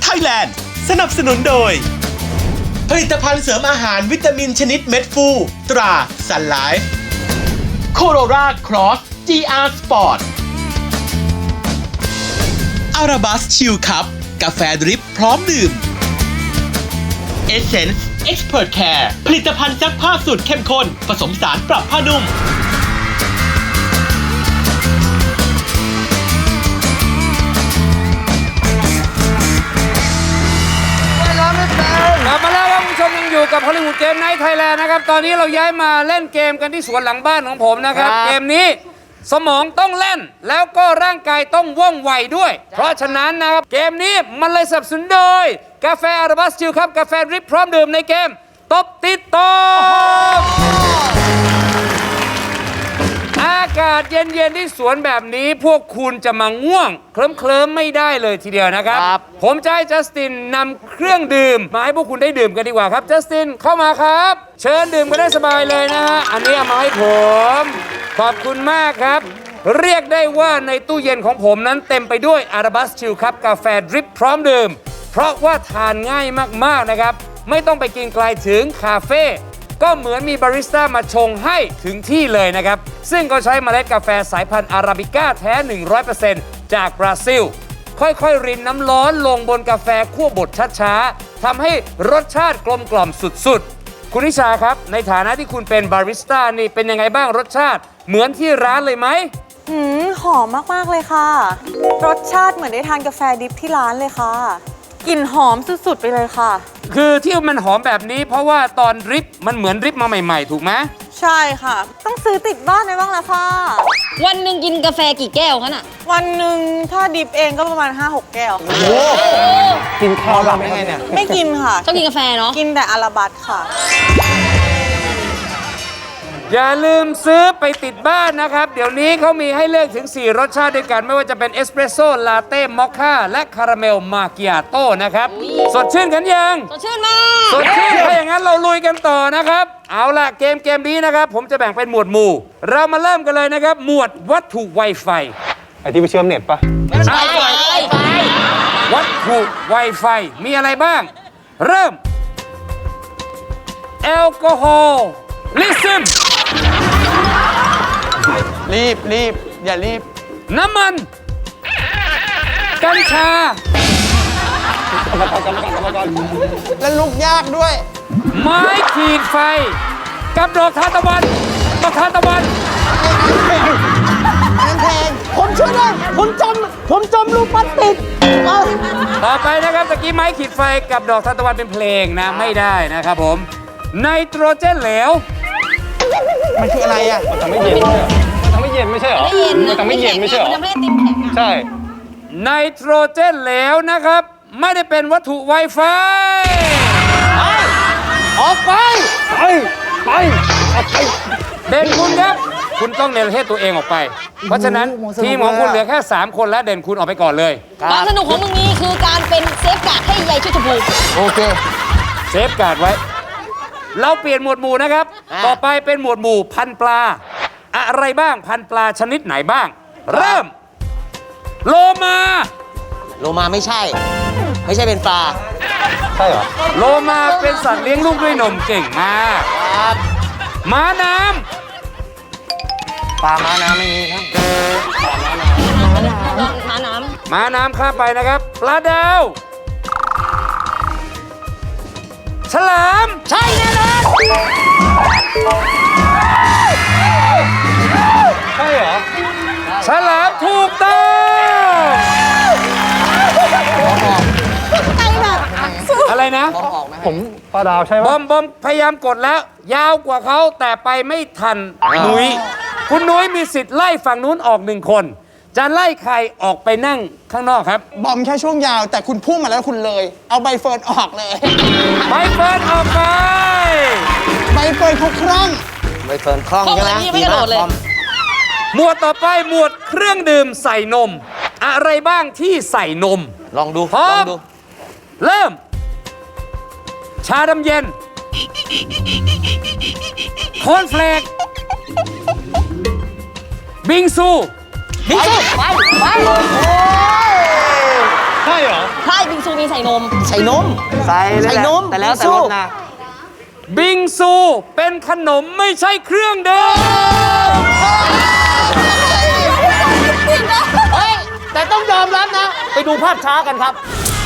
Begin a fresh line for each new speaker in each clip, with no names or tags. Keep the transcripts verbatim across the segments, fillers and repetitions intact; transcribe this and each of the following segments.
Thailand สนับสนุนโดยผลิตภัณฑ์เสริมอาหารวิตามินชนิดเม็ดฟูตรา Sun Life Corolla Cross จี อาร์ Sport Arabas Chill Cup กาแฟดริปพร้อมดื่ม Essence Expert Care ผลิตภัณฑ์ซักผ้าสูตรเข้มข้นผสมสารปรับผ้านุ่ม
กลับมาแล้วครับคุณผู้ชมยังอยู่กับฮอลลีวูดเกมไนท์ไทยแลนด์นะครับตอนนี้เราย้ายมาเล่นเกมกันที่สวนหลังบ้านของผมนะครับเกมนี้สมองต้องเล่นแล้วก็ร่างกายต้องว่องไวด้วยเพราะฉะนั้นนะครับเกมนี้มันเลยสนับสนุนโดยกาแฟอาราบัสจิลครับกาแฟดริปพร้อมดื่มในเกมตบติดตบอากาศเย็นๆที่สวนแบบนี้พวกคุณจะมาง่วงเคลิ้มๆไม่ได้เลยทีเดียวนะครับผมจะให้จัสตินนำเครื่องดื่มมาให้พวกคุณได้ดื่มกันดีกว่าครับจัสตินเข้ามาครับเชิญดื่มกันได้สบายเลยนะฮะอันนี้เอามาให้ผมขอบคุณมากครับเรียกได้ว่าในตู้เย็นของผมนั้นเต็มไปด้วยอาราบัสชิลครับกาแฟดริปพร้อมดื่มเพราะว่าทานง่ายมากๆนะครับไม่ต้องไปกินไกลถึงคาเฟ่ก็เหมือนมีบาริสต้ามาชงให้ถึงที่เลยนะครับซึ่งก็ใช้เมล็ดกาแฟสายพันธุ์อาราบิก้าแท้ หนึ่งร้อยเปอร์เซ็นต์ จากบราซิลค่อยๆรินน้ำร้อนลงบนกาแฟคั่วบดช้าๆทำให้รสชาติกลมกล่อมสุดๆคุณนิชาครับในฐานะที่คุณเป็นบาริสต้านี่เป็นยังไงบ้างรสชาติเหมือนที่ร้านเลยไหม
หืมหอมมากๆเลยค่ะรสชาติเหมือนได้ทานกาแฟดิบที่ร้านเลยค่ะกลิ่นหอมสุดๆไปเลยค่ะ
คือที่มันหอมแบบนี้เพราะว่าตอนดริปมันเหมือนดริปมาใหม่ๆถูกไหม
ใช่ค่ะต้องซื้อติดบ้านไว้บ้างแล้วค่ะ
วันหนึ่งกินกาแฟกี่แก้วคะน่ะ
วันหนึ่งถ้าดิบเองก็ประมาณ ห้าหก แก้วค่ะโอ้
กินข้าวแบบไงเนี่ย
ไม่กินค่ะ
ชอบกินกาแฟเนาะ
กินแต่อาราบัสค่ะ
อย่าลืมซื้อไปติดบ้านนะครับเดี๋ยวนี้เขามีให้เลือกถึงสี่รสชาติด้วยกันไม่ว่าจะเป็นเอสเปรสโซ่ลาเต้มอคค่าและคาราเมลมาเกียโต้นะครับสดชื่นกันยัง
สดชื่นมาก
สดชื่นถ้าอย่างนั้นเราลุยกันต่อนะครับเอาล่ะเกมเกมนี้นะครับผมจะแบ่งเป็นหมวดหมู่เรามาเริ่มกันเลยนะครับหมวดวัตถุไวไฟ
ไอที่ไปเชื่อมเน็ตปะ
ไวไฟ
วัตถุไวไฟมีอะไรบ้างเริ่มแอลกอฮอล์ลิซึม
รีบรีบอย่ารีบ
น้ำมันกัญชา
แล้วลุกยากด้วย
ไม้ขีดไฟกับดอกทานตะวันดอกทานตะวัน
แพงผมช่วยได้ผมจมผมจมลูกพลาสติก
ต่อไปนะครับตะกี้ไม้ขีดไฟกับดอกทานตะวันเป็นเพลงนะไม่ได้นะครับผมไนโตรเจนเหลว
มันคืออะไรอ่ะมันทำไม่เย็นมันทำไม่เย็นไม่ใช่เหรอมันทำไม่เย็นไม่ใช่เหรอ
มันทำให้ติมแข็งอ่ะ
ใช่
ไนโตรเจนเหลวนะครับไม่ได้เป็นวัตถุไวไฟ
ออกไปไปไปออกไป
เด่นคุณครับคุณต้องเนรเทศตัวเองออกไปเพราะฉะนั้นทีมของคุณเหลือแค่สามคนและเด่นคุณออกไปก่อนเลย
ความสนุกของมึงนี้คือการเป็นเซฟการ์ดให้ใยชุดชมพู
โอเคเซฟการ์ดไว้เราเปลี่ยนหมวดหมู่นะครับต่อไปเป็นหมวดหมู่พันปลาอะไรบ้างพันปลาชนิดไหนบ้างเริ่มโลมา
โลมาไม่ใช่ไม่ใช่เป็นปลา
ใช่เหรอ
โลมาเป็นสัตว์เลี้ยงลูกด้วยนมเก่งมาก
ครับ
ม้าน้
ำปลาม้าน้ำไม่มีครับ
ม้าน้ำ
ม้าน้ำข้ามไปนะครับปลาดาวฉลาม
ใช่แน่นอน
ใช่เหรอ
ฉลามถูกต้องอะไรนะ
ผมปลาดาวใช่ไหม
บอมบอมพยายามกดแล้วยาวกว่าเขาแต่ไปไม่ทันนุ้ยคุณนุ้ยมีสิทธิ์ไล่ฝั่งนู้นออกหนึ่งคนจะไล่ใครออกไปนั่งข้างนอกครับ
บอมแค่ช่วงยาวแต่คุณพุ่งมาแล้วคุณเลยเอาใบเฟิร์นออกเลย
ใบเฟิร์นออกไป
ใบเฟิร์นเขาคล่อง
ใบเฟิร์นคล่องใช่ไหม
ไม่กระโดดเลย
หมวดต่อไปหมวดเครื่องดื่มใส่นมอะไรบ้างที่ใส่นม
ลองดู
ลองดูเริ่มชาดำเย็นโคนเฟลกบิงซู
บิงซูไปไป
ใช่เหรอ
ใช่บิงซูมีใส่นม
ใส่นม
ใส่
ใส่นม
แต่แล้วแต่รสนะ
บิงซูเป็นขนมไม่ใช่เครื่องดื่ม
เฮ้ย แต่ต้องยอมรับนะ ไปดูภาพช้ากันครับ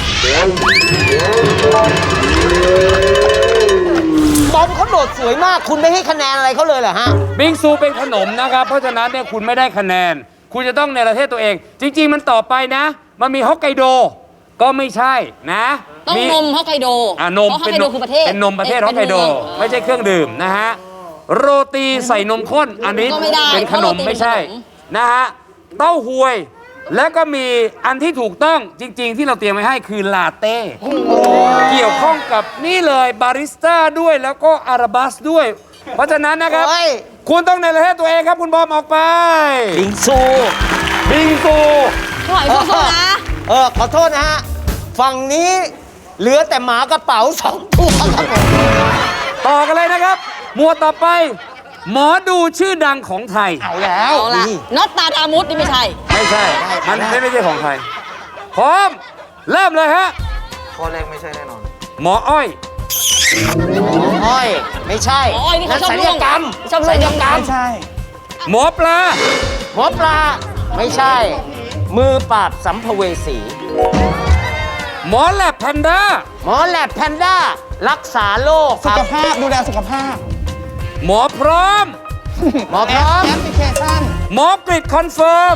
บอมเขาโดดสวยมาก คุณไม่ให้คะแนนอะไรเขาเลยเหรอฮะ
บิงซูเป็นขนมนะครับ เพราะฉะนั้นเนี่ยคุณไม่ได้คะแนน คุณจะต้องในประเทศตัวเอง จริง ๆ มันต่อไปนะ มันมีฮอกไกโดก็ไม่ใช่นะ
ต้อง
มี
นมฮอกไกโด
อ่านม
เพราะฮอก
เป็น
ไก
น
โด
ม
คือประเทศ
เป็นนมประเทศ
อ้ย
ฮอกไกโด
เป็นเมือง
ไม่ใช่เครื่องดื่มนะฮะโรตีใส่นมข้นอันนี้
ก็ไม่ได้
เป็นขนม
เพราะโรตี
ไม่ใช่
เป็นขนม
นะฮะเต้าหวย แล้วก็มีอันที่ถูกต้องจริง ๆ ที่เราเตรียมไว้ให้คือลาเต้เกี่ยวข้องกับนี่เลยบาริสต้าด้วยแล้วก็อาราบัสด้วย เพราะฉะนั้นนะครับ
โอ้ย
คุณต้องในประเทศตัวเองครับคุณบอมออกไป
บิงซู
บิงซู
หอยสู้ๆนะ
เออ ขอโทษนะฮะ ฝั่งนี้เหลือแต่หมากระเป๋าสองตัวครับผม
ต่อกันเลยนะครับ หมวดต่อไป หมอดูชื่อดังของไทย
เอาแล้ว
เอาละ
นี่
น็อตตาดามุดนี่ไม่ใช่
ไม่ใช่ มัน
ได้
ไม่ไม่ใช่ของไทย พร้อม เริ่มเลยฮะ
ข้อแรกไม่ใช่แน่นอน
หมออ้อย
อ้อย ไม่ใช่
หมออ้อยนี่เขาชอบ
ศัล
ล่
ยว
ง
กรรม
ชอบล่วง
ศัลยกรรม
ใช่
หมอปลา
หมอปลา ไม่ใช่ มือปราบสัมภเวสี
หมอแลบแพนด้า
หมอแลบแพนด้า รักษาโรคค
สุ
รับ
ขภาพดูแลสุขภาพ
หมอพร้อม
หมอพร้อม
แอปพลิเคชัน
หมอกริดคอนเฟิร์ม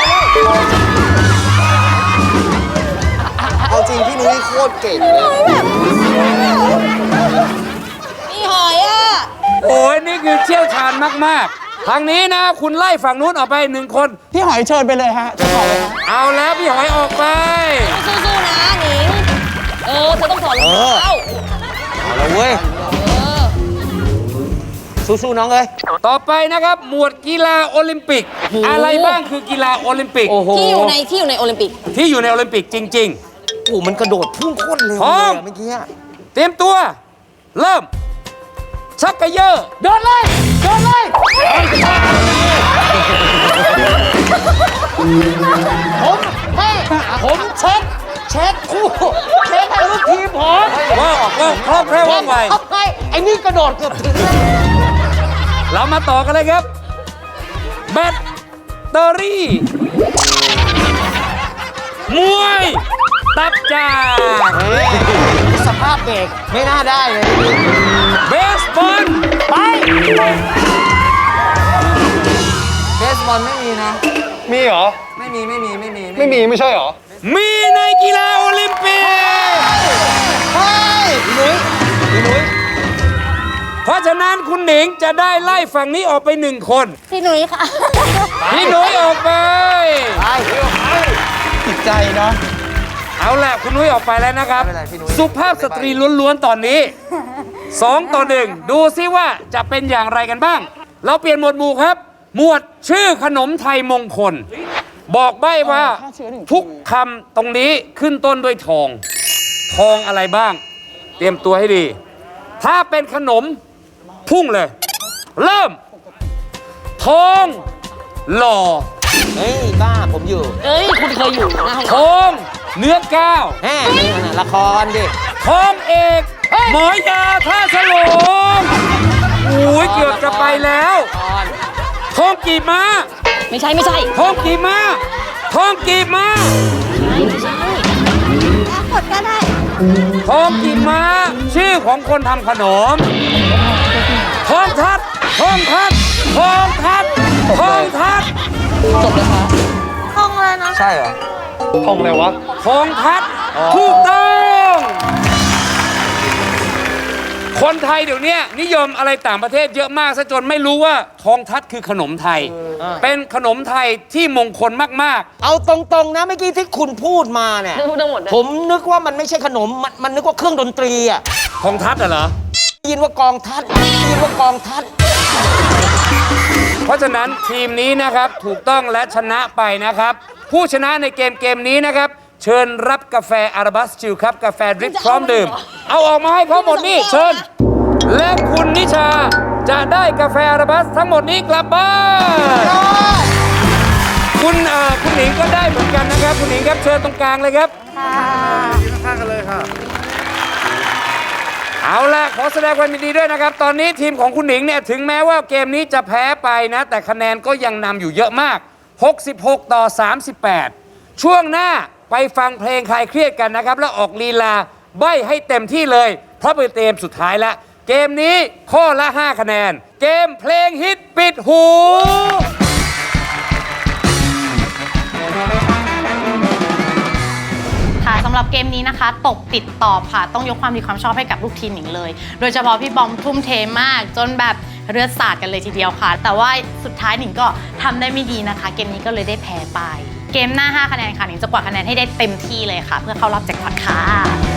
เอาจริงพี่นุ้ยโคตรเก่งเลย
มีหอยอ่ะ
โอ้ยนี่คือเชี่ยวชาญมาก ๆ ทางนี้นะ คุณไล่ฝั่งนู้นออกไปหนึ่งคน
พี่หอยเชิญไปเลยฮะเชิญต่อเลยฮะ
เอาแล้วพี่หอยออกไป
สู้ๆนะหนิง เออ เธอต้องถอดรองเท้า
เอาละเว้ย
เออ
สู้ๆน้องเอ้ย
ต่อไปนะครับ หมวดกีฬาโอลิมปิก อะไรบ้างคือกีฬาโอลิมปิก
โอ้โห
ที่อยู่ในที่อยู่ในโอลิมปิก
ที่อยู่ในโอลิมปิกจริง
โอ้โหมันกระโดดพุ่งโคตรเร็ว
พร้
เล
อย ม
อะเมื่อกี้อะ
ๆ เตรียมตัว เริ่ม ชักกระเยอะโดนเลยโดนเลย
ผมให้ผมเช็ค เช็คคู่เช็คให้ลูกทีมผม
ว่องว่องคล่องแคล่วว่องไว
เอาไปไอ้นี่กระโดดเกือบถึง
เรามาต่อกันเลยครับ แบตเตอรี่ มวย ตับจาก
เฮ้ยสภาพเบรกไม่น่าได้เลย
เบสบอล
ไป
เบสบอลไม่มีนะ
มีเหรอ
ไม่มีไม่มีไม่มี
ไม่มีไม่ใช่เหรอ
มีในกีฬาโอลิมปิก
เฮ้ยพี่นุ้ยพี่นุ้ย
เพราะฉะนั้นคุณหนิงจะได้ไล่ฝั่งนี้ออกไปหนึ่งคน
พี่หนุ่ยค่ะ
พี่หนุ้ยออกไป
ไป
ติดใจเนาะ
เอาแหละคุณนุ้ยออกไปแล้วนะครับ
ไม่เป็นไรพี่นุ้ย
สุภาพสตรีล้วนๆตอนนี้สองต่อหนึ่งดูซิว่าจะเป็นอย่างไรกันบ้าง เราเปลี่ยนหมวดหมู่ครับ หมวดชื่อขนมไทยมงคล บอกใบ้ว่าทุกคำตรงนี้ขึ้นต้นด้วยทอง ทองอะไรบ้าง เตรียมตัวให้ดี ถ้าเป็นขนมพุ่งเลย เริ่ม ทองหล่อ
เฮ้ย บ้าผมอยู่
เอ้ย คุณเคยอยู่หนะห้อง
ทองเนื้อก้าว
แฮ่นี่น่ะละครดิ
ทองเอก หมอยาท่าฉลงอุ้ยเกือบจะไปแล้ว ทองกีบม้า
ไม่ใช่ไม่ใช่
ทองกีบม้าทองกีบม้า
ไม่ใช่
กดก็ได้
ทองกีบม้า ชื่อของคนทำขนม ทองทัดทองทัดทองทัดทองทัด
จบเลยค่ะ
ห้องอะไรนะ
ใช่เหรอ
ทองอะไรวะ
ทองทัดถูกต้อง คนไทยเดี๋ยวนี้นิยมอะไรต่างประเทศเยอะมากซะจนไม่รู้ว่าทองทัดคือขนมไทย เป็นขนมไทยที่มงคลมาก
เอาตรงๆนะเมื่อกี้ที่คุณพูดมาเนี่ย
พูดทั้งหมดเลย
ผมนึกว่ามันไม่ใช่ขนม มันมันนึกว่าเครื่องดนตรีอ่ะ
ๆ ทองทัดอะเหรอ
ได้ยินว่ากองทัดได้ยินว่ากองทัด
เพราะฉะนั้นทีมนี้นะครับถูกต้องและชนะไปนะครับ ผู้ชนะในเกมเกมนี้นะครับ เชิญรับกาแฟอาราบัสจิลครับ กาแฟดริปพร้อมดื่ม เอาออกมาให้เขาหมดนี่เชิญ และคุณนิชาจะได้กาแฟอาราบัสทั้งหมดนี้กลับบ้านคุณเอ่อคุณหนิงก็ได้เหมือนกันนะครับคุณหนิงครับเชิญตรงกลางเลยครับ
ยืนข้างๆกันเลยค่ะ
เอาล่ะขอแสดงความยินดีด้วยนะครับตอนนี้ทีมของคุณหนิงเนี่ยถึงแม้ว่าเกมนี้จะแพ้ไปนะแต่คะแนนก็ยังนำอยู่เยอะมากหกสิบหกต่อสามสิบแปดช่วงหน้าไปฟังเพลงคลายเครียดกันนะครับแล้วออกลีลาใบ้ให้เต็มที่เลยเพราะเป็นเกมสุดท้ายแล้วเกมนี้ข้อละห้าคะแนนเกมเพลงฮิตปิดหู
ค่ะสำหรับเกมนี้นะคะตบติดตอบค่ะต้องยกความดีความชอบให้กับลูกทีมหนิงเลย โดยเฉพาะพี่บอมทุ่มเทมากจนแบบเลือดสาดกันเลยทีเดียวค่ะ แต่ว่าสุดท้ายหนิงก็ทำได้ไม่ดีนะคะเกมนี้ก็เลยได้แพ้ไปเกมหน้าห้าคะแนนค่ะหนิงจะกวาดคะแนนให้ได้เต็มที่เลยค่ะเพื่อเข้ารอบแจ็คพอตค่ะ